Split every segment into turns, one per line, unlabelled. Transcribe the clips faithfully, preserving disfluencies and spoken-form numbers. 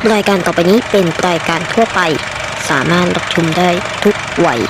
รายการต่อไปนี้เป็นรายการทั่วไปสามารถรับชมได้ทุกวัย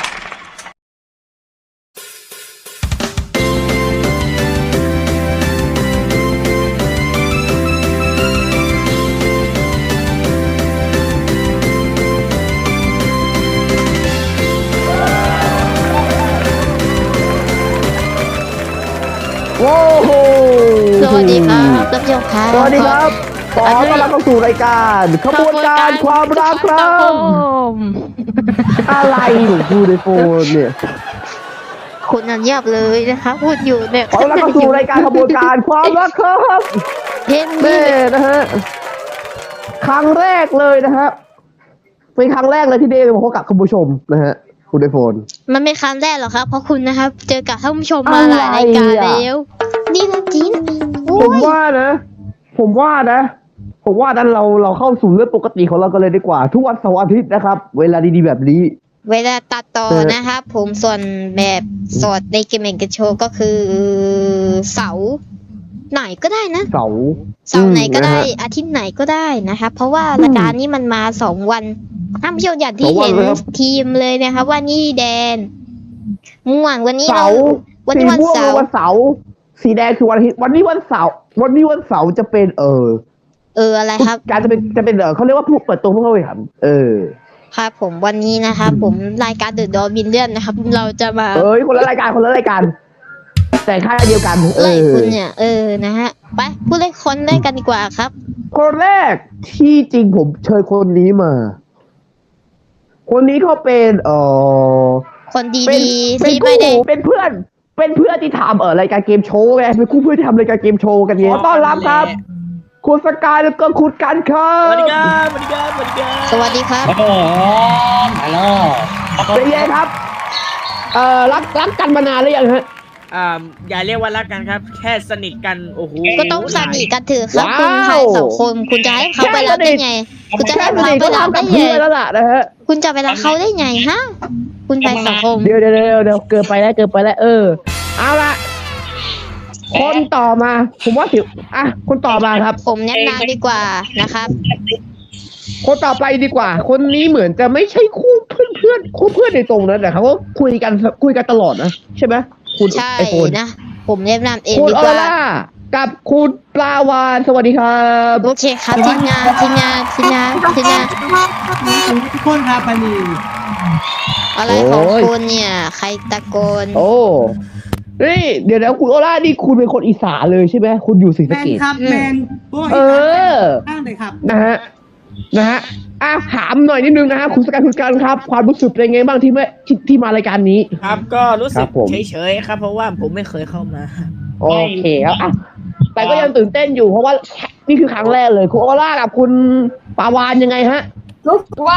โว้โห
สวัสดีครับท่านผู้ชมครับ
สวัสดีครับขอต้อนรับเข้าสู่รายการขบวนการความรักครับอะไรหนูพูดในโฟนเนี่ย
คุณนันเงียบเลยนะคะพูดอยู่เนี่ย
ขอต้อนรับเข้าสู่รายการขบวนการความรักครับ
เห็นไหม
เน่นะฮะครั้งแรกเลยนะฮะเป็นครั้งแรกเลยที่เดย์มาพบกับคุณผู้ชมนะฮะคุณไอโฟน
มันไม่ครั้งแรกหรอกครับเพราะคุณนะครับเจอกับท่านผู้ชมมาหลายรายการ
อะไรอ่ะ
แล้วนี่นะจินโอ้
ผม
ย
ว่านะ ผมว่านะ ผมว่านั้นเราเราเข้าสู่เรื่องปกติของเรากันเลยดีกว่า ทุกวันเสาร์อาทิตย์นะครับ เวลาดีๆแบบนี้
เวลาตัดต่อ
เออ
นะครับผมส่วนแบบสดในเกมเมนกันโชว์ก็คือเสาร์ไหนก็ได้นะ
เสาร์
เสาร์ไหนก็ได้
อืมนะฮะ
อาทิตย์ไหนก็ได้นะครับเพราะว่ารายการนี้มันมาสองวันท่านผู้ชมอย่างที่
สองวัน
เห็น
เลยครับ
ทีมเลยนะครับว่านี่แดนม่วงวันนี้
เสา
เรา
ร์
วัน
สี
นี้วัน
ม่วง
เสา
คือ
ร์
วันเสาร์สีแดงคือวันอาทิตย์วันนี้วันเสาร์วันนี้วันเสาร์จะเป็นเออ
เอออะไรครับ
การจะเป็นจะเป็นเออเขาเรียกว่าผู้เปิดตัวผู้เข้าแข่งขันเออ
ครับผมวันนี้นะครับผมรายการเดอะดอมินเลียนนะครับ เราจะมา
เอ้ยคนละรายการคนละรายการแต่ค่ายเดียวกันเอ
ไล่
อ
คุณเนี่ยเออนะฮะไปพูดเล่นคนได้กันดีกว่าครับ
คนแรกที่จริงผมเชิญคนนี้มา คนนี้เขาเป็นเออ
คน
เป็น
ดีๆ
เป็น
ที่
คู่
ไม่ได้
เป็นเพื่อน เป็นเพื่อนที่ทำเออรายการเกมโชว์ไงเป็นคู่เพื่อนที่ทำรายการเกมโชว์กันไงขอต้อนรับครับ คุณสกายแล้วก็คุณกันครั
ส
บ
วัสดีครับสวัสดีครับสวัสดีครับ
สวัสดีครับ
ฮัลโหลฮัลโหล
เป็นไงครับ เอ่อรักรักกันมานานหรือยังฮะ
อ่าอย่าเรียกว่ารักกันครับ แค่สนิทกันโอ้โห
ก็ต้องสนิทกันเถอะครับ
ว้าว
คุณชายสองคนคุณจะให้เขาไปรักได้ไง คุณจะ
แค่
ให้
ส
เขา
นิท
ไป
ก็
รัก
ทำกั
ได้
บ
ไง
เพื่อนแล้วล่ะนะฮะ
คุณจะไปรักเขาได้ไงฮะคุณชายสองคน
เดี๋ยวเดี๋ยวเดี๋ยวเดี๋ยวเกินไปแล้วเกินไปแล้วเออ เอาละคนต่อมา ผมว่าสิอ่ะคนต่อมาครับ
ผมแนะนำดีกว่านะครับ
คนต่อไปดีกว่า คนนี้เหมือนจะไม่ใช่คู่เพื่อนเพื่อนคู่เพื่อนในตรงนั้นแต่เขาก็คุยกันคุยกันตลอดนะใช่ไหมคุณ
ใช่
ไอโฟน
นะ ผมแนะนำเอง
คุณ
ดี
อก อ
ว่า
ร่ากับคุณปลาวานสวัสดีครับ
โอเคครับทีมงานทีมงานทีมงานทีมงาน
ทุกคนครับปานี
อะไรของคุณเนี่ย ใครตะโกน
โอ้นี่เดี๋ยวนะคุณออร่านี่คุณเป็นคนอีสานเลยใช่ไหมคุณอยู่ศรี
แม
สะ
น
เกษ
ครับแมนพวก
เออ
ข้างเลยครับ
นะฮะนะฮะอ่ะถามหน่อยนิดนึงนะฮะคุณสกายคุณการครับ ความรู้สึกเป็นไงบ้างที่ไม่ที่ที่มารายการนี้
ครับก็รู้
ค
สึ
รั
ก
บผม
เฉยๆครับ เพราะว่าผมไม่เคยเข้ามา
โอเคครับอ่ะแต่ก็ยังตื่นเต้นอยู่เพราะว่านี่คือครั้งแรกเลยคุณออร่ากับคุณปาวานยังไงฮะ
รู้ว่า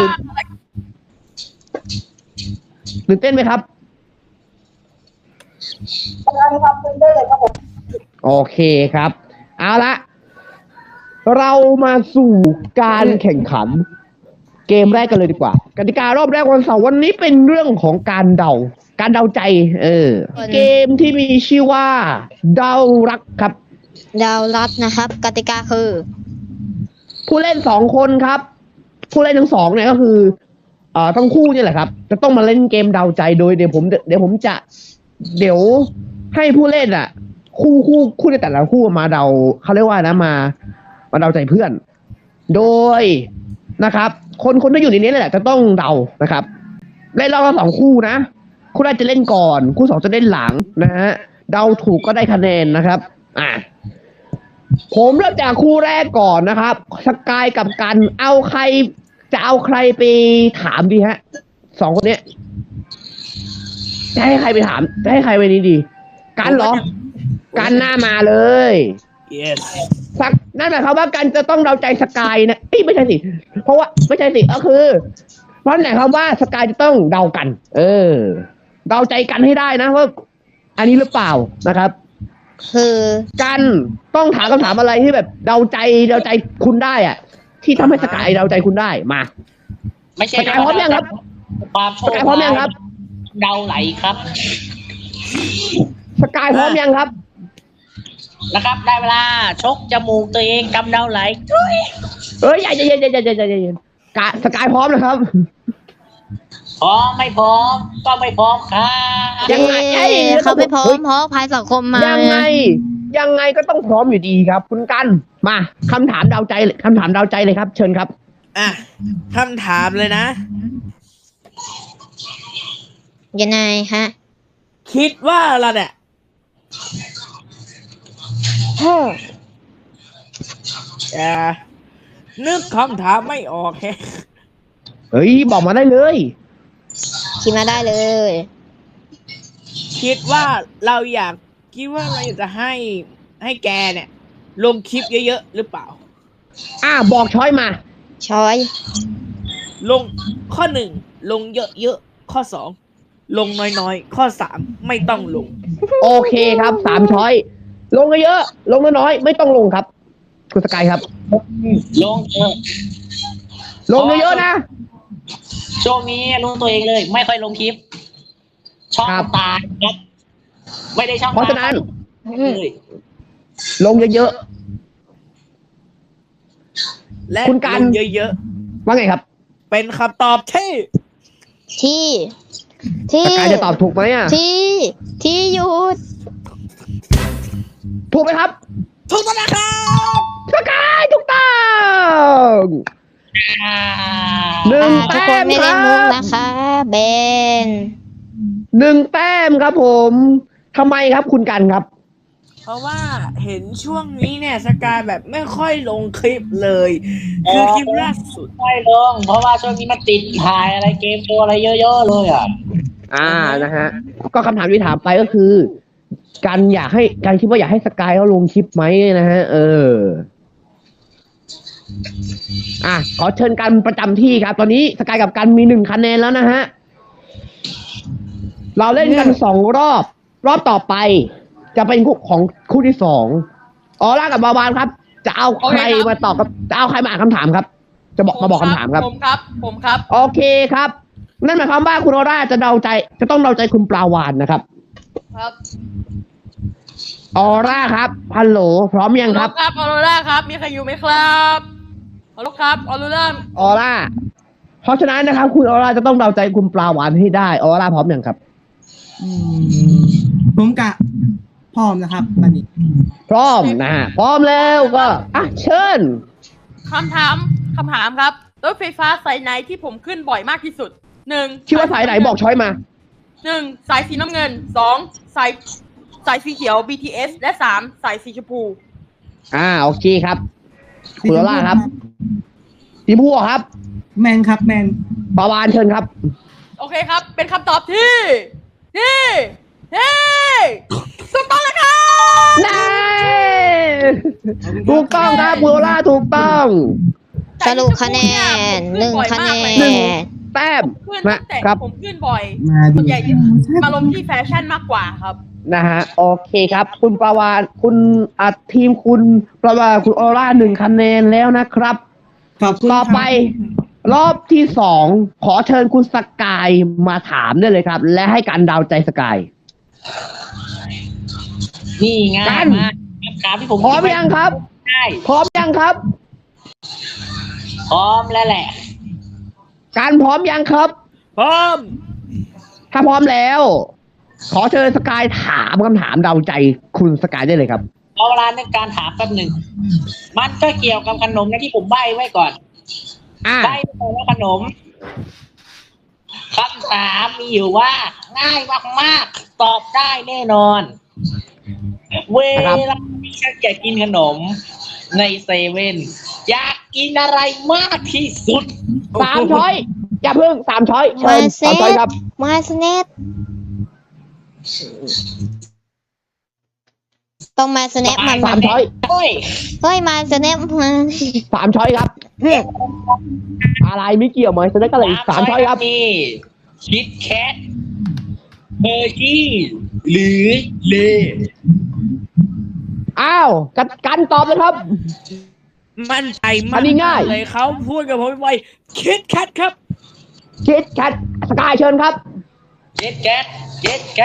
ตื่นเต้นไหมครับโอเคครับ เอาละเรามาสู่การแข่งขัน เกมแรกกันเลยดีกว่ากติการอบแรกวันเสาร์วันนี้เป็นเรื่องของการเดา การเดาใจ เออ เกมที่มีชื่อว่า เดารักครับ
ดาวรัดนะครับ กติกาคือ
ผู้เล่นสองคนครับ ผู้เล่นทั้งสองเนี่ยก็คือเอ่อทั้งคู่เนี่ยแหละครับ จะต้องมาเล่นเกมเดาใจโดยเดี๋ยวผมเดี๋ยวผมจะ เดี๋ยวให้ผู้เล่นอ่ะ คู่คู่คู่ในแต่ละคู่มาเดาเขาเรียกว่านะมา มาเดาใจเพื่อน โดยนะครับ คนคนที่อยู่ในนี้แหละจะต้องเดานะครับเล่นรอบละสองคู่นะคู่แรกจะเล่นก่อน คู่สองจะเล่นหลังนะฮะเดาถูกก็ได้คะแนนนะครับ อ่ะ ผมเริ่มจากคู่แรกก่อนนะครับสกายกับกันเอาใครจะเอาใครไปถามดีฮะสองคนเนี้ยจะให้ใครไปถามจะให้ใครไปนี้ดี กันเหรอ กันหน้ามาเลย
yes
สักนั่นหมายความว่ากันจะต้องเดาใจสกายนะเอ้ยไม่ใช่สิเพราะว่าไม่ใช่สิก็คือเพราะไหนคำว่าสกายจะต้องเดากัน เออ เดาใจกันให้ได้นะว่าอันนี้หรือเปล่านะครับ
คือ
กันต้องถามคำถามอะไรที่แบบเดาใจเดาใจคุณได้อะที่ทำให้สกายเดาใจคุณได้มา
ไม่ใช่
สกายพร้อมยังครับ
ความโช
ส
ค
กายพร้อมยังครับ
เดาไหลครับ
สกายพร้อมยังครับ
นะครับ ได้เวลาชกจมูกตัวเองกำเดาไหลทุย
เอ้ยอย่าอย่าอย่าอย่าอย่าอย่าอย่าอย่ากะสกายพร้อมนะครับ
พร้อมไม่พร้อมก็ไม่พร้อมครับ
ยังไง
เอ้ยเขาไม่พร้อมเพราะภัยสังคมมา
ยังไง ยังไงก็ต้องพร้อมอยู่ดีครับ คุณกันมาคำถามเดาใจเลยคำถามเดาใจเลยครับ เชิญครับ
อ่ะคำถามเลยนะ
ยังไงฮะ
คิดว่าเราเนี่ยอ่านึกคำถามไม่ออกแฮะ
เฮ้ยบอกมาได้เลย
คิดมาได้เลย
คิดว่าเราอยากคิดว่าเราอยากจะให้ให้แกเนี่ย ลงคลิปเยอะๆหรือเปล่า
อ่าบอกช้อยมา
ช้อย
ลงข้อหนึ่งลงเยอะๆข้อสองลงน้อยๆข้อสามไม่ต้องลง
โอเคครับสามช้อย ลงเยอะๆลงน้อยๆไม่ต้องลงครับ คุณสกายครับ
ลงเถอะ
ลงเยอะๆนะ
ช่วงนี้รู้ตัวเองเลย ไม่ค่อยลงคลิป ช่อง
ครับ
ตายครับไม่ได้ช่อง
เพราะฉะนั้น
เลย
ลงเยอะ
และ
คุณกัน
ลงเยอะ
ๆว่าไงครับ
ๆเป็นคำตอบที่
ที่ ที่
สกายจะตอบถูกไหมอ่ะ
ที่ ที่หยุด
ถูกไหมครับ
ถูกต้องนะครับ
สกายถูกต้อง
อ่า
หนึ่ง
อ่าทุก
แต้
คน
ม
ไม่
ค
เล่
รั
นมุก
บ
นะคะเบน
หนึ่งแต้มครับผมทำไมครับคุณกันครับ
เพราะว่าเห็นช่วงนี้เนี่ยสกายแบบไม่ค่อยลงคลิปเลย คือคลิปล่าสุด
ไม่ลง เพราะว่าช่วงนี้มันติดถ่ายอะไรเกมตัวอะไรเยอะๆเลยอ่ะ
อ่านะฮะ ก็คำถามที่ถามไปก็คือ การอยากให้การคิดว่าอยากให้สกายเขาลงคลิปไหมนะฮะ เออ อ่ะขอเชิญกันประจำที่ครับ ตอนนี้สกายกับกันมีหนึ่งคะแนนแล้วนะฮะ เราเล่นกันสองรอบ รอบต่อไป จะเป็นคู่ของคู่ที่สองออร่ากับบาวานครับ จะเอาใครมาตอบครับจะเอาใครมาอ่านคำถามครับ จะบอกมาบอกคำถามครับ
ผมครับ ผมครับ
โอเคครับ นั่นหมายความว่าคุณออร่าจะเดาใจ จะต้องเดาใจคุณปลาวานนะครับ
ครับ
ออร่าครับฮัลโหลพร้อมยังครับ
ครับออโรร่าครับ มีใครอยู่ไหมครับฮัลโหลครับออโรร่า
ออร่า เพราะฉะนั้นนะครับ คุณออร่าจะต้องเดาใจคุณปลาวานให้ได้ ออร่าพร้อมยังครับ
อืมผมกะพร้อมนะครับตอนนี้
พร้อมนะฮะพร้อมแล้วก็อ่ะเชิญ
คำถามคำถามครับรถไฟฟ้าสายไหนที่ผมขึ้นบ่อยมากที่สุดหนึ่ง
คิดว่าสายไหนบอกช้อยมา
หนึ่งสายสีน้ำเงินสองสายสายสีเขียว บี ที เอส และสามสายสีชมพู
อ่าโอเคครับ คุณออร่าครับทีมพูครับ
แมนครับแมน
ปลาวานเชิญครับ
โอเคครับ เป็นคำตอบที่ที่ที่ถูกต้องแล้วครับ
ได้ถูกต้องครับคุณออร่าถูกต้อง
สรุปคะแนนหนึ่งคะแน
หนึ่ง
น
แต้ม
ขึ้น
นะ
ตั้งแต่
ครับ
ผมขึ้นบ่อย
มา
ส่
ดิ
วนใหญ่มาลงที่แฟชั่นมากกว่าครับ
นะฮะโอเคครับ คุณปลาวานคุณอัดทีมคุณปลาวานคุณออร่าหนึ่งคะแนนแล้วนะครับ
ขอบคุณ
ต่อไป รอบที่สองขอเชิญคุณสกายมาถามได้เลยครับ และให้การเดาใจสกาย
นี่ง่า
กั
ย
น
มากคำถามที่ผม
พร้อมยังครับ
ได้
พร้อมยังครับ
พร้อมแล้วแหละ
การพร้อมยังครับ
พร้อม
ถ้าพร้อมแล้ว ขอเชิญสกายถามคำถามเดาใจคุณสกายได้เลยครับ
เอาเวลาในการถามแป๊บหนึ่ง มันก็เกี่ยวกับขนมนะที่ผมใบ้ไว้ก่อน
อ่า
ใบ้ไปว่าขนมคำถามมีอยู่ว่า ง่ายมากๆ ตอบได้แน่นอน เวลาที่ฉันอยากกินขนม ในเซเว่นอยากกินอะไรมากที่สุด
สามช้อย อย่าเพิ่งสามช้อยเชิ
มา
ญ
เซ
สามช้อย
ต
ครับ
มาสเนตต้องมาสเนปมัน
สามช้อย
โอ้ย
เฮ้ยมาสเนปมา
สามช้อยครับ อะไรไม่เกี่ยวไหมแสดงก็เลยสามช้อยครับ
มีคิดแคทเบอร์กี้หรือเล
อ้าวกันกันตอบเลยครับ
มั่นใจ
อั
มาก
นนี้ง่าย
เลยเขาพูดกับผมไวๆคิดแคทครับ
คิดแคทสกายเชิญครับ
คิดแคทคิดแคท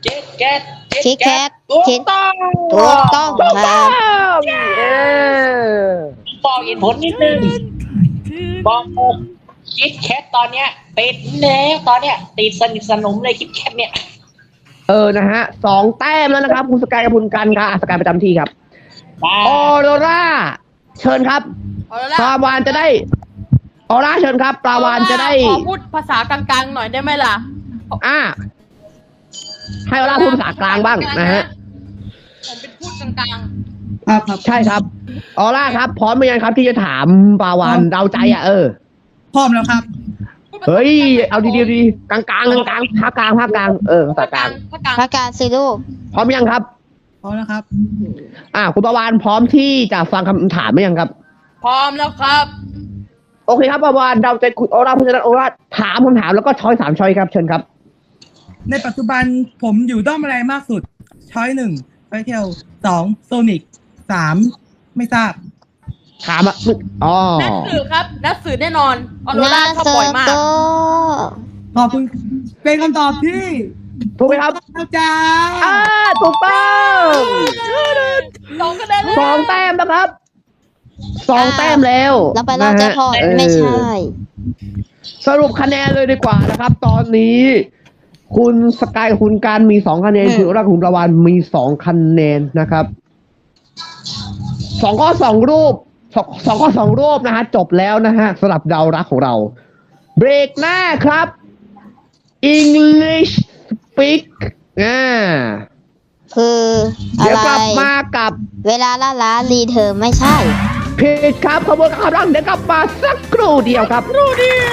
เจ็ดแคท
คิดแคท
ถูก
คิด
ต้อง
ถูกต้องครับ
เออ
บอกเหตุผลนิดนึงบอกผมคิดแคทตอนเนี้ยติดแล้วตอนเนี้ยติดสนิทสนมเลยคิดแคทเนี่ย
เออนะฮะสองแต้มแล้วนะครับคุณสกายกับคุณกันค่ะสกายประจำที่ครับออโรราเชิญครับ
เอาละ
ปลาวานจะได้ออร่าเชิญครับปลาวานจะได้
ขอพูดภาษากลางๆหน่อยได้ไหมล่ะ
อ่าให้ออร่าพูดภาษากลางบ้างนะฮะ
ผมเป็นพูดกลาง
ครับครับ
ใช่ครับออร่าครับ พร้อมไหมยังครับที่จะถามปลาวานเดาใจอ่ะเออ
พร้อมแล้วครับ
ๆ
เฮ้ยเอาดีๆดีกลางๆกลางกลางภาคกลางภาคกลางเออภาษากลาง
ภาคกลาง
พระการสิลูก
พร้อมยังครับ
พร้อมแล้วครับ
อ่าคุณปลาวานพร้อมที่จะฟังคำถามไหมยังครับ
พร้อมแล้วครับ
โอเคครับปลาวานเดาใจคุณออร่าเพราะฉะนั้นออร่าถามคำถามแล้วก็ช้อยสามช้อยครับเชิญครับ
ในปัจจุบันผมอยู่ด้อมอะไรมากสุด ช้อยหนึ่งไฟเทลสองโซนิกสามไม่ทราบ
ถามอ่ะอ๋อ
นักสื่อครับ นักสื่อแน่นอนออโร
นา
ราชอบ
เซอ
บ่อย
ร์
มาก
โก
ขอบคุณ เป็นคำตอบที่
ถูกไหมครับ
อาจา
อ่าร
ย์
ถูกต้อง
สองคะแนนเลย
สองแต้มนะครับสองแต้มแล้ว
เราไปรอบแจ็คพอต
นะฮะ
ไม่ใช่
เออสรุปคะแนนเลยดีกว่านะครับ ตอนนี้ คุณสกายกับคุณการมีสองคะแนน
อืม
คุณออร่ากับคุณประวานมีสองคะแนนนะครับสองข้อสองรูปสองสองข้อสองรูปนะฮะจบแล้วนะฮะสำหรับเดารักของเรา เบรกหน้าครับ English Speak อ่า
คืออะ
เดี๋ยว
ไร
กลับมากับ
เวลาล่าล้ารีเธอไม่ใช่
ผิดครับขบวนการขับรังเดี๋ยวกลับมาสักครู่เดียวครับ
รู้เดียว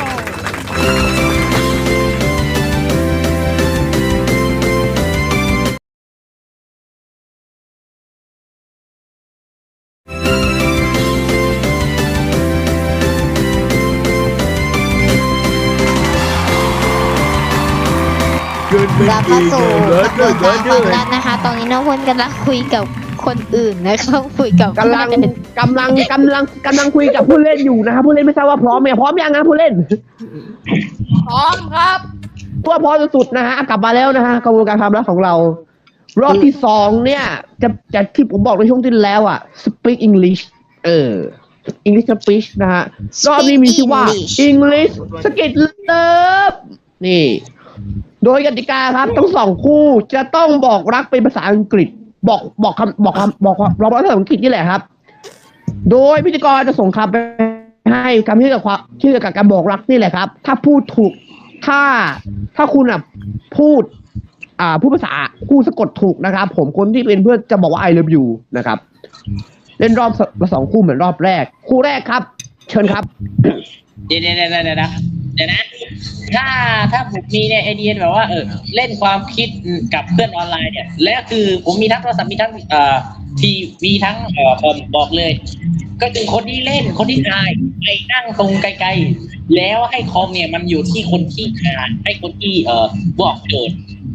กลับเข้าสู่กระบวนการความรักนะคะ ตอนนี้น้องพลกำลังคุยกับคนอื่นนะครับคุยกับ
กำลังกำลังกำลังกำลังคุยกับผู้เล่นอยู่นะครับผู้เล่นไม่ทราบว่าพร้อมไหมพร้อมยังนะผู้เล่น
พร้อมครับ
ตัวพร้อมสุดๆนะฮะกลับมาแล้วนะฮะกระบวนการความรักของเรา รอบที่สองเนี่ย จะจะที่ผมบอกในช่วงที่แล้วอ่ะ speak English เออ English speech นะฮะรอบนี้มีชื่อว่า English สกิดเลิฟนี่ โดยกติกาครับทั้งสองคู่จะต้องบอกรักเป็นภาษาอังกฤษ บอกบอกคำบอกคำบอกบอกรักภาษาอังกฤษนี่แหละครับ โดยพิธีกรจะส่งคำไปให้คำที่เกี่ยวกับความที่เกี่ยวกับการบอกรักนี่แหละครับ ถ้าพูดถูกถ้าถ้าคุณอ่ะพูด อ่าพูดภาษาคู่สะกดถูกนะครับ ผมคนที่เป็นเพื่อนจะบอกว่า I love you นะครับ เล่นรอบละสองคู่เหมือนรอบแรก คู่แรกครับ เชิญครับ
เดี๋ยวเดี๋ยวเดี๋ยวเดี๋ยวนะเดี๋ยวนะถ้าถ้าผมมีเนี่ยไอเดียแบบว่าเออเล่นความคิดกับเพื่อนออนไลน์เนี่ยแล้วคือผมมีทั้งโทรศัพท์มีทั้งเอ่อทีมีทั้งเอ่อคอมบอกเลย ก็คือคนที่เล่นคนที่ทายไปนั่งตรงไกลๆแล้วให้คอมเนี่ยมันอยู่ที่คนที่อ่านให้คนที่เอ่อบอกโจทย์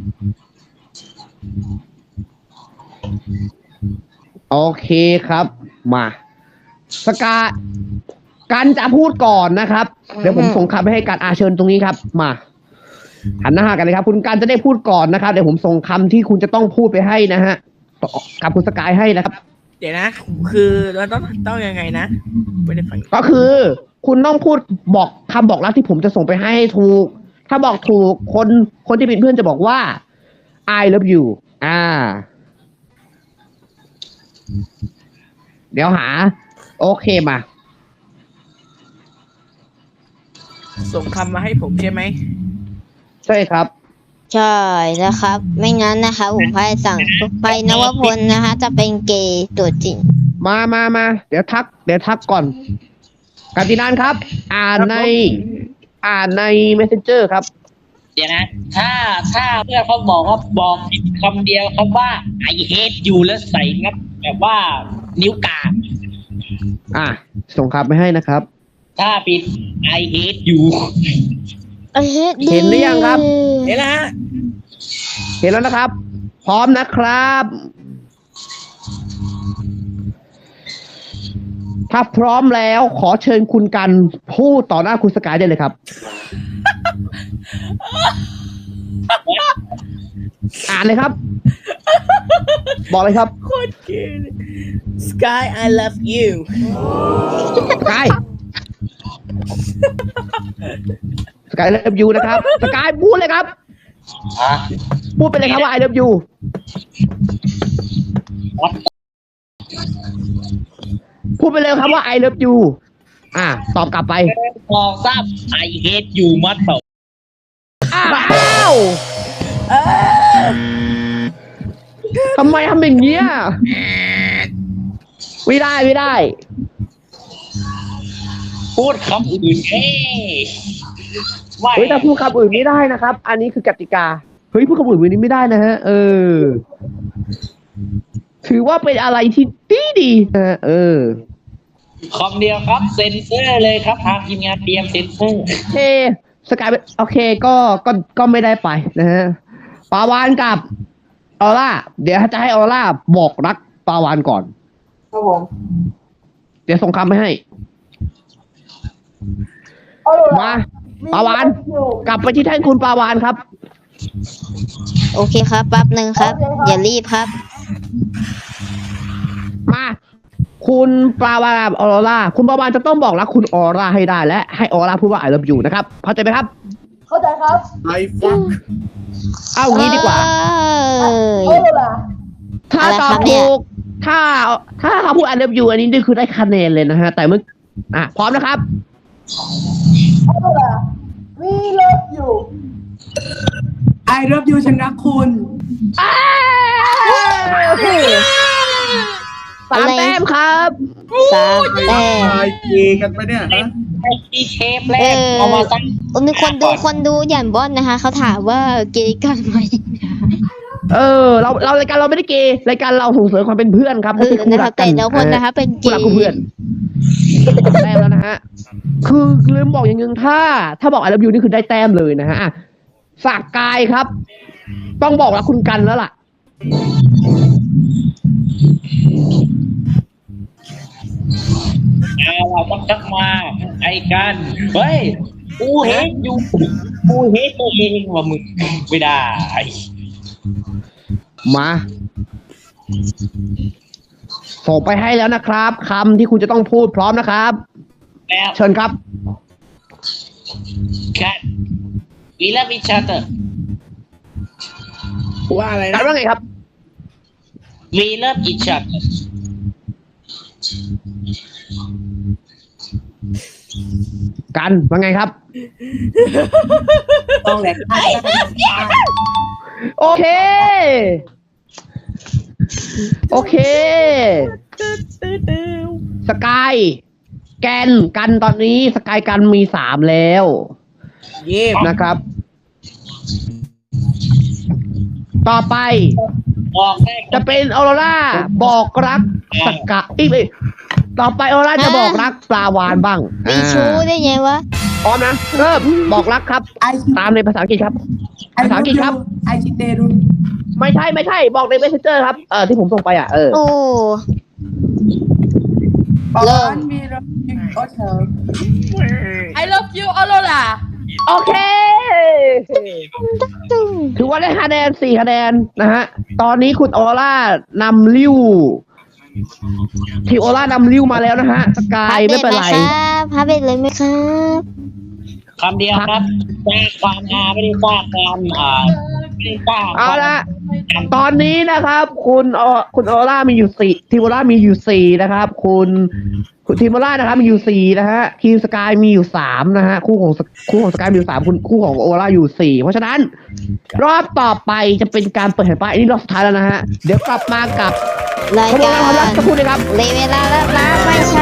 โอเคครับ มาสกาการจะพูดก่อนนะครับ เดี๋ยวผมส่งคำไปให้การอาเชิญตรงนี้ครับ มาหันหน้าหากันเลยครับ คุณการจะได้พูดก่อนนะครับเดี๋ยวผมส่งคำที่คุณจะต้องพูดไปให้นะฮะกับคุณสกายให้นะครับ
เดี๋ยวนะ คือเราต้องต้องยังไงนะไม่ได้ฟัง
ก็คือ คุณต้องพูดบอกคำบอกรักที่ผมจะส่งไปให้ให้ถูก ถ้าบอกถูกคนคนที่เป็นเพื่อนจะบอกว่า I love you อ่า เดี๋ยวหา โอเคมา
ส่งคำมาให้ผมใช่ไหม
ใช่ครับ
ใช่นะครับ ไม่งั้นนะคะผมพายสั่งไปนวพลนะคะ จะเป็นเกย์ตัวจริง
มามามาเดี๋ยวทัก เดี๋ยวทักก่อนกาตินานครับ อ่านใน อ่านใน messenger ครับ
เดี๋ยวนะ ถ้าถ้าเพื่อนเขาบอกว่าบอกผิดคำเดียวคำว่า I hate you แล้วใส่งับแบบว่านิ้วกลาง
อ่ะ ส่งคำไปให้นะครับ
ถ้าผิด I hate you
เห็นหรือยังครับ
เดี๋ยวนะฮะ
เห็นแล้วนะครับ พร้อมนะครับ ถ้าพร้อมแล้วขอเชิญคุณกันพูดต่อหน้าคุณสกายได้เลยครับอ่านเลยครับ บอกเลยครับ
โคตรเก๋เลย Sky I love you
สกายสกายเลิฟยูนะครับสกายพูดเลยครับ
อ่ะ
พูดไปเลยครับว่า I love you พูดไปเลยครับว่า I love you อ่าตอบกลับไป
มองทราบ I hate you มัดเปล่า
อ้าวทำไมทำอย่างเงี้ยไม่ได้ไม่ได้
พูดคำอื่นเอ้ไม่
เฮ้ยแต่พูดคำอื่นไม่ได้นะครับ อันนี้คือกติกาเฮ้ยพูดคำอื่นวันนี้ไม่ได้นะฮะ เออ ถือว่าเป็นอะไรที่ดีดีนะฮะเออ
คำเดียวครับเซ็นเซอร์เลยครับทางทีมงานเตรียมเซ็นเซอร์
โอเคสกายโอเคก็ก็ก็ไม่ได้ไปนะฮะปาวานกับออร่าเดี๋ยวจะให้ออร่าบอกรักปาวานก่อน
ครับผม
เดี๋ยวส่งคำไปให้ มาปาวานกลับไปที่แท่นคุณปาวานครับ
โอเคครับแป๊บหนึ่งครับ อย่ารีบครับ
มา คุณปาวานออร่าคุณปาวานจะต้องบอกรักคุณออร่าให้ได้และให้ออร่าพูดว่า I love you นะครับเข้าใจไหมครับ
เข้าใจครับ
I fuck
เอางี้ดีกว่า
เอ้ย
ถ้า
อะไร
ตอ
ครับ บเนี่ย
ถูกถ้าถ้าเขาพูด I love you อันนี้นี่คือได้คะแนนเลยนะฮะ แต่เมื่ออ่ะพร้อมนะครับ
I love you ฉันรักคุณ
สามแต้มครับ
สามแต้ม
ตายเกกันไปเนี่ยฮะ
ไอ้ที่เชฟแร
เอก อ
เอามาตั้ง
มีคนดูคนดูอย่างบอนนะคะเขาถามว่าเกย์กันไหม
เออ เราเรารายการเราไม่ได้เกย์รายการเราส่งเสริมความเป็นเพื่อนครับ
เออ
ไม่ใช่คู่
นะ
รั
คะ
กกั
แต่
น
ละคนนะคะเป็นเก
คู่รัก
ย์
คู่เพื่อนแต้มแล้วนะฮะ คือลืมบอกอย่างหนึ่งถ้า ถ้าบอก I love you นี่คือได้แต้มเลยนะฮะอ่ะสากกายครับ ต้องบอกรักคุณกันแล้วล่ะ
เอาเราต้องทักมาไอ้กันเฮ้ยกูเห็นอยู่กูเห็นตัวเองว่ามึงไม่ได้
มาส่งไปให้แล้วนะครับคำที่คุณจะต้องพูดพร้อมนะครับ
แล้ว
เชิญครับ
กันวีลาวิชาเตอร์
ว่าอะไร
กั
นะ
นว่าไงครับ
วีลาวิชาเตอร์
กันว่าไงครับ
ต้องแหลก
โอเค โอเค สกาย แกน กันตอนนี้สกายกันมีสามแล้ว
เยี่ยม
นะครับ ต่อไป
บอกได้
จะเป็นออโรราบอกรักสกายอีกเลยต่อไปออโรราจะบอกรักปลาวานบ้าง
มีชู้ได้ไงวะ
พร้อมนะเริ่มบอกรักครับ
ไอ
ตามในภาษาอังกฤษครับ
ไอ
ภาษาอังกฤษครับ
ไอชิเตรุ
ไม่ใช่ไม่ใช่บอกใน messenger ครับเออที่ผมส่งไปอ่ะเออ
โอ้
บอก
เริ่ม
ว่ามีรักโอเธอ
I love you ออโรล่า
โอเค ถือว่าได้คะแนนสี่คะแนนนะฮะ ตอนนี้คุณออร่านำริ้วทีมออร่านำริ้วมาแล้วนะฮะ สกายไม่เป็นไร
พับเบ็ดเลยไหมครับ
คำเดียวครับสร้างความฮาไม่ได้สร้างความอ่าไม่ได้สร้าง
เอาละตอนนี้นะครับ คุณออคุณออร่ามีอยู่สี่ทีมออร่ามีอยู่สี่นะครับ คุณคุณทีมออร่านะครับมีอยู่สี่นะฮะทีมสกายมีอยู่สามนะฮะคู่ของคู่ของสกายมีอยู่สามคุณคู่ของออร่าอยู่สี่เพราะฉะนั้น รอบต่อไปจะเป็นการเปิดแผ่นป้ายอันนี้รอบสุดท้ายแล้วนะฮะเดี๋ยวกลับมากับ
ราย
ขบวน
กา
การความรัก
ร
สักครู่นะครับ
เลยเวลาแล้วนะไม่ใช่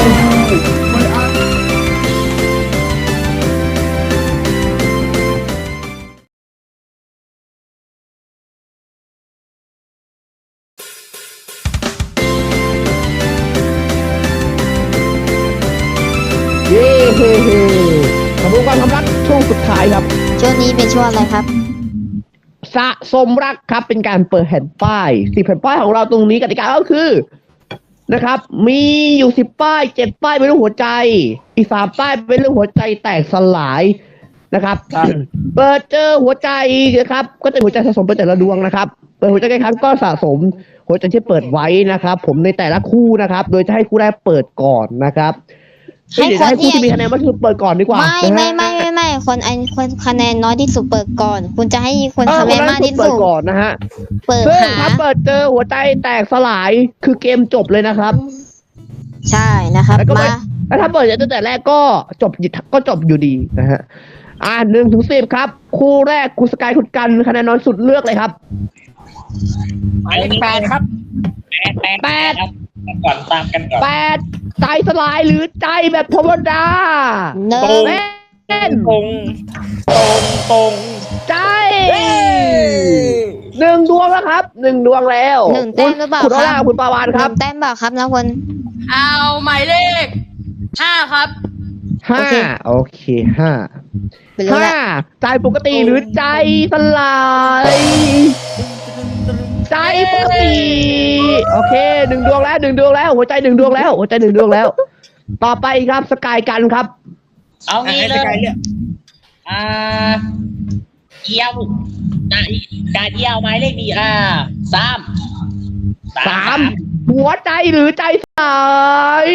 เย้เฮ้เฮ้ขบวนการความรักช่วงสุดท้ายครับ
ช่วงนี้เป็นช่วงอะไรครับ
สะสมรักครับเป็นการเปิดแผ่นป้ายสิบแผ่นป้ายของเราตรงนี้กติกาก็คือนะครับ มีอยู่สิบป้ายเจ็ดป้ายเป็นรูปหัวใจ อีกสามป้ายเป็นรูปหัวใจแตกสลายนะครับ เปิดเจอหัวใจนะครับ ก็จะหัวใจสะสมไปแต่ละดวงนะครับ เปิดหัวใจกี่ครั้งก็สะสมหัวใจที่เปิดไว้นะครับ ผมในแต่ละคู่นะครับ โดยจะให้คู่แรกเปิดก่อนนะครับ
ให้
เดี๋ยว
คน
ให้คู่
ที่
ที่มีคะแนนมากที่สุดเปิดก่อนดีกว่า
ไม่
นะ
ไม่
ฮะ
ไม่ไม่ไม่คนอันคนคะแนนน้อยที่สุดเปิดก่อน คุณจะให้คน
เออ
คะแนน
คน
มาก
นั้น
ที่
เปิ
สุ
ด
ด
ก่อนนะฮะ
เปิด
ซึ่ง
หา
ถ้าเปิดเจอหัวใจแตกสลายคือเกมจบเลยนะครับ
ใช่นะครับ
แล้วก็ไม่
มา
แล้วถ้าเปิดตั้งแต่แรกก็จบก็จบอยู่ดีนะฮะ อ่าหนึ่งถึงสิบครับ คู่แรกคุณสกายคุณกันคะแนนน้อยสุดเลือกเลยครับ
หมายเลขแปดครับ
แปดแปดครับก่อนตามกันก่อน
แปดใจสลายหรือใจแบบธรรมดา
หนึ่
โอ้
ง
แม่น
ตรงตรงตรง
ใจ
เอ้ย
หนึ่งดวงแล้วครับหนึ่งดวงแล้ว
หนึ่งแต้มหรือเปล่า
คุณโอ
ค
ล่า
รับ
คุณปาวานครับ
หนึ่งแต้มเปล่าครับนะคน
เอาหมายเลขห้าครับ
ห้าโอเคห้า
ไปเลย
ห้า
ละ
ใจปกติหรือใจสลายใจปกติโอเคหนึ่งดวงแล้วหนึ่งดวงแล้ว หัวใจหนึ่งดวงแล้ว หัวใจหนึ่งดวงแล้ว ต่อไปครับสกายกันครับ
เอางี้เล
ให้สกาย
ย
เลือก
อ่าเอียวอ่ะการเอียวหมายเลขดีอ่าสาม
สามหัวใจหรือใจสลาย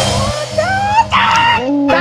ใจ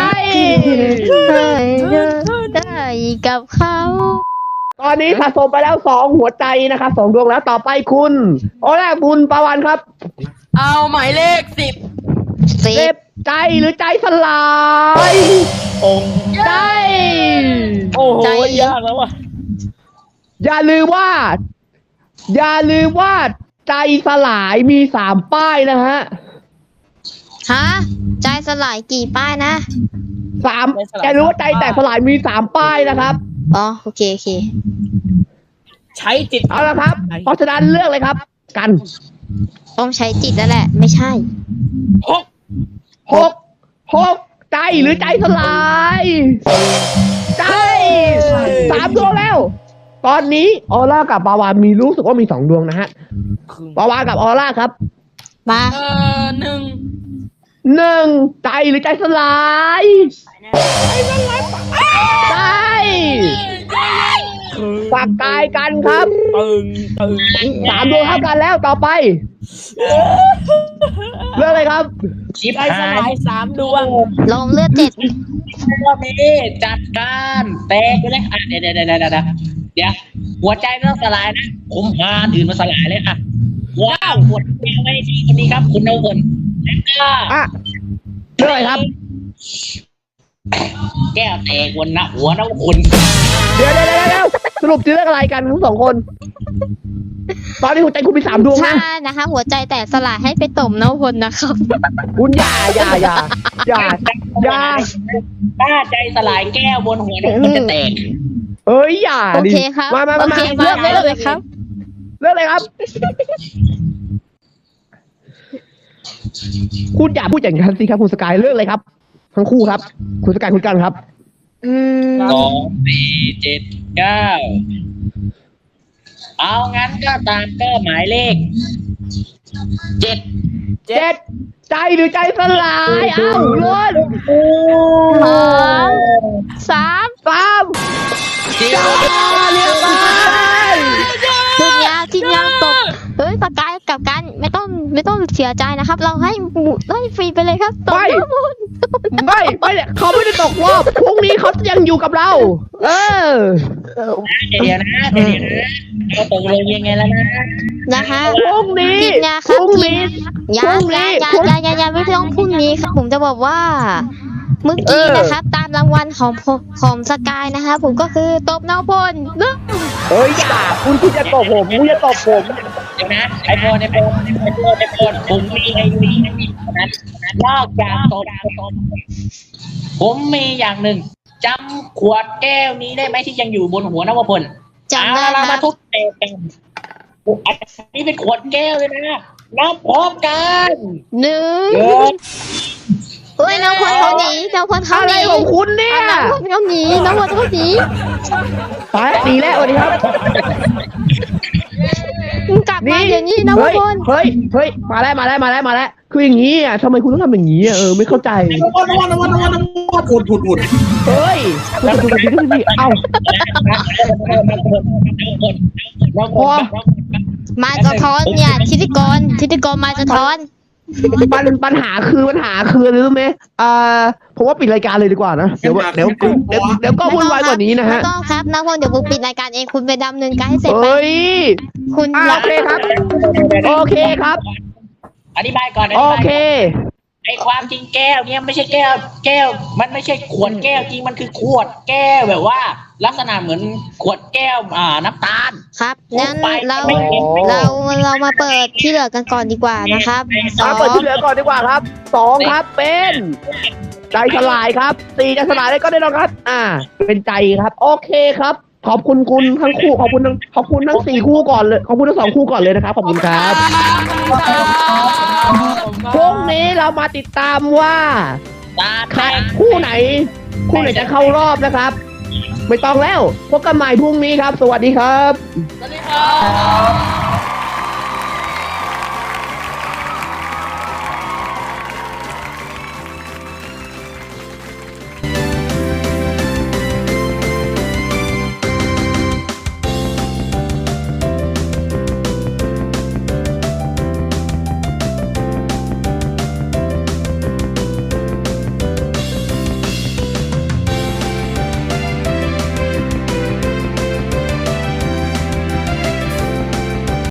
ได้กับเขา
ตอนนี้สะสมไปแล้วสองหัวใจนะครับสองดวงแล้วต่อไปคุณโอแรกบุญปาวันครับ
เอาหมายเลขสิบ
สิ
เจ็
บบ
ใจหรือใจสลาย
ตรง
ใจ
โอ้โหยากแล้วว่ะ
อย่าลืมว่า อย่าลืมว่าใจสลายมีสามป้ายนะฮะ
ฮะใจสลายกี่ป้ายนะ
สามอย่ารู้ว่าใจแตกสลายมีสามป้ายนะครับ
อ๋อโอเคโอเค
ใช้จิต
เอาละครับ เพราะฉะนั้นเลือกเลยครับ กัน
ต้องใช้จิตแล้วแหละ ไม่ใช่
หก
หกหกใจหรือใจสลายใจสามดวงแล้ว ตอนนี้ออร่ากับปาวานมีรู้สึกว่ามีสองดวงนะฮะ
ครึ่ง
ปาวานกับออร่าครับ
มา
เอ่อหนึ่ง
หนึ่งใจหรือใจสลายใจฝากกายกันครับ
ตึงตึง
สามดวงเท่ากันแล้วต่อไปเรื่องอะไรครับ
ชิป
ใจส
หา
ลาย ยสามดวง
ลงเลือดเจ็ด
รอบนี้จัดการแตกไปเลยอ่ะเดี๋ยวเดี๋ยวเดี๋ยวเดี๋ยวเดี๋ยวเดี๋ยวหัวใจไม่ต้องสลายนะ ผมพาอื่นมาสลายเลยค่ะว้าวหัวใจไม่ที่คนนี้ครับ คุณนวพลแล้วก็
อ่ะเรื่องอะไรครับ
แก้วแตกบนนะหัวนวพล
เดี๋ยวเดี๋ยวเดี๋ยวเดี๋ยวสรุปจะเรื่องอะไรกันทั้งสองคน ตอนนี้หัวใจคุณมีสามดวง
ใช่
นะ
นะคะ หัวใจแตกสลายให้ไปต่มน้ำพลนะครับ
คุณอย่าอย่าอย่าอย่าอย่า
ถ้าใจสลายแก้วบนหัวนวพลจะแตก
เอ้ยอย่า
โอ
ดิ
เคครับ
มามา
โอ
มา
เค
เลื
มา
อกเลือก
เลยครับ
เลือกเลยครับ คุณอย่าพูดอย่างนั้นสิครับคุณสกายเลือกเลยครับ ทั้งคู่ครับ คุณสกายคุณกันครับ
อืม
สองสี่เจ็ดเก้าเอางั้นก็ตามก็หมายเลขเจ็ด
เจ็ดใจหรือใจสลายเอ้าล้น
สองสาม
สามจ้าเรียบร้อย
ทีมยาวทีมยาวตบเฮ้ยปากกายกับกันไม่ต้องไม่ต้องเสียใจนะครับ เราให้หมูให้ฟรีไปเลยครับตบน้ำพล
ไม่ไม่เนี่ยเขาไม่ได้ตกรอบพรุ่งนี้เขายังอยู่กับเรา เออ
เดี๋ยวนะเดี๋ยวนะเราตกลงยังไงแล้วนะ
นะคะ
พรุ่งนี้
ทีมงาน
พ
ครับ
รุ่ง
ทีม
นี้
ยา
พรุ่ง
ยา
นี้
ยา
พรุ่ง
ยายายาไม่ต้องพรุ่งนี้ครับผมจะบอกว่า เมื่อกี้นะครับ ตามรางวัลของผมของสกายนะคะผมก็คือตบน้ำพล
เอ้ยอย่าคุณคุณจะตบผมคุณจะตบผม
เดี๋ยวนะไอโฟนไอโฟนไอโฟนไอโฟนผมมีไอวีนั้นนอกจากตบผมมีอย่างหนึ่งจำขวดแก้วนี้ได้ไหมที่ยังอยู่บนหัวนวพล
จำได้
เอาละ
ค
มา
รับ
ทุบเตะกันอันนี้เป็นขวดแก้วเลยนะนับพร้อมกัน
หนึ่ง
เดี๋ยว
เฮ้ยน้องพลเขาหนีน้องพลเขา
อะ
ห
ไร
นี
ของคุณเนี่ย
น้องพลเขาหนีน้องพลเขาหนี
ไปดีแล้วสวัสดีครับ
มึงกลับลับมาเดี๋ยวนี้นะทุ
เฮ้
ก
ย
คน
เฮ้ยเฮ้ยมาแล้วมาแล้วมาแล้วมาแล้วคืออย่างนี้อ่ะทำไมคุณต้องทำอย่างนี้อ่ะเออไม่เข้าใจ
วันวันวันวันวันผุดผุดผุด
เฮ้ยคุณจะคุณจะคุณจะเอ้าพอ
มาสะท้อนเนี่ยทิติกรทิติกรมาสะท้อน
ปัญปัญหาคือปัญหาคืออะไรรู้ไหมอ่าผมว่าปิดรายการเลยดีกว่านะเดี๋ยวเดี๋ยวเดี๋ยวเดี๋ยวก็วุ่นวายกว่านี้นะฮะ
ไม่ต้องครับนะพลเดี๋ยวผมปิดรายการเองคุณไปดำเนินการให้เสร็จไป
เฮ้ย
คุณ
อ่า
รั
โอบ เคครับ โอเคครับ
อธิบายก่อนอธิ
โอบ
าย
เค
ไอความจริงแก้วเนี่ยไม่ใช่แก้ว แก้ว มันไม่ใช่ขวดแก้วจริงมันคือขวดแก้วแบบว่า ลักษณะเหมือนขวดแก้วอ่าน้ำตาล
ครับงั้น
ไป
เรา
ไม่เห็น
เราเรามาเปิดที่เหลือกันก่อนดีกว่านะครับสอ
มาง เปิดที่เหลือก่อนดีกว่าครับสองครับเป็นใจสลายครับสี่ใจสลายได้ก็ได้แล้วครับ อ่า เป็นใจครับ โอเคครับ ขอบคุณคุณทั้งคู่ขอบคุณทั้งขอบคุณทั้งสี่คู่ก่อนเลยขอบคุณทั้งสองคู่ก่อนเลยนะครับขอบคุณครับพรุ่งนี้เรามาติดตามว่า
ตา
ใคร
แตก
คู่ไหน คู่ไหนจะเข้ารอบนะครับ ไม่ต้องแล้วพบกันใหม่พรุ่งนี้ครับ สวัสดีครับ
สวัสดีครับ